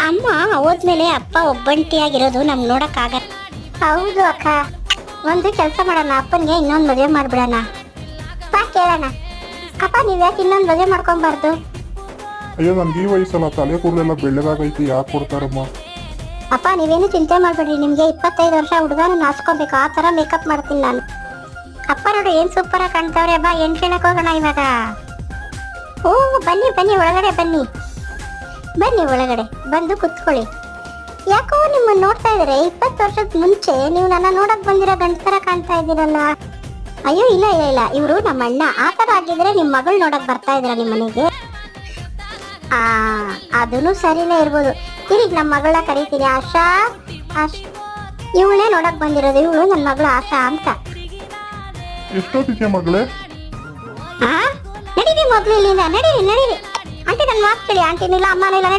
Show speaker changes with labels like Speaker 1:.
Speaker 1: ಅಮ್ಮ ಹೋದ್ಮೇಲೆ ಅಪ್ಪ ಒಬ್ಬಂಟಿಯಾಗಿರೋದು ನಮ್ಗೆ ನೋಡಕ್ಕಾಗಲ್ಲ. ಹೌದು ಅಕ್ಕ, ಒಂದು ಕೆಲಸ ಮಾಡೋಣ, ಅಪ್ಪನಿಗೆ ಇನ್ನೊಂದು ಮದುವೆ ಮಾಡ್ಬಿಡೋಣ. ಬಾ ಕೇಳೋಣ. ಅಪ್ಪ ನೀವು ಯಾಕೆ ಇನ್ನೊಂದು ಮದುವೆ ಮಾಡ್ಕೊಬಾರ್ದು?
Speaker 2: ಅಯ್ಯೋ ನನ್ಗೆ ಈ ವಯಸ್ಸಲ್ಲ, ತಲೆ ಕೂದಲೆಲ್ಲ ಬೆಳ್ಳಗಾಗೈತಿ, ಯಾಕೆ ಕೊಡ್ತಾರಮ್ಮ?
Speaker 1: ಅಪ್ಪ ನೀವೇನು ಚಿಂತೆ ಮಾಡಬೇಡ್ರಿ, ನಿಮಗೆ 25 ವರ್ಷ ಹುಡುಗನ ನಾಚ್ಕೋಬೇಕು, ಆ ಥರ ಮೇಕಪ್ ಮಾಡ್ತೀನಿ ನಾನು. ಅಪ್ಪ ನೋಡು ಏನು ಸೂಪರಾಗಿ ಕಾಣ್ತಾವ್ರೆ. ಬಾ ಹೆಣ್ಣು ಕೇಳಕ್ಕೆ ಹೋಗೋಣ ಇವಾಗ. ಓ ಬನ್ನಿ ಬನ್ನಿ, ಒಳಗಡೆ ಬನ್ನಿ ಬನ್ನಿ, ಒಳಗಡೆ ಬಂದು ಕುತ್ಕೊಳ್ಳಿ. ಯಾಕೋ ನಿಮ್ಮನ್ನು ನೋಡ್ತಾ ಇದ್ದಾರೆ 20 ವರ್ಷದ ಮುಂಚೆ ನೀವು ನನ್ನ ನೋಡಕ್ ಬಂದಿರೋ ಗಂಡ ಥರ ಕಾಣ್ತಾ ಇದ್ದೀರಲ್ಲ. ಅಯ್ಯೋ ಇಲ್ಲ ಇಲ್ಲ ಇಲ್ಲ, ಇವರು ನಮ್ಮ ಅಣ್ಣ. ಆ ಥರ ಆಗಿದ್ರೆ ನಿಮ್ಮ ಮಗಳು ನೋಡಕ್ ಬರ್ತಾ ಇದ್ರ ನಿಮ್ಮ ಮನೆಗೆ? ಅದೂ ಸರಿನೇ ಇರ್ಬೋದು. ಇರೀಗ ನಮ್ಮ ಮಗಳನ್ನ ಕರೀತೀನಿ. ಆಶಾ, ಇವಳೇ ನೋಡಕ್ ಬಂದಿರೋದು. ಇವಳು ನನ್ನ ಮಗಳು ಆಶಾ ಅಂತ.
Speaker 2: ಎಷ್ಟೊತ್ತಿಗೆ ಮಗಳೇ?
Speaker 1: ನಡೀರಿ ಮೊದ್ಲು ಇಲ್ಲಿಂದ, ನಡೀರಿ ನಡೀರಿ. ಆಂಟಿ ನನ್ನ ಮಾತು ಕೇಳಿ. ಆಂಟಿನಿಲ್ಲ ಅಮ್ಮನಿಲ್ಲ.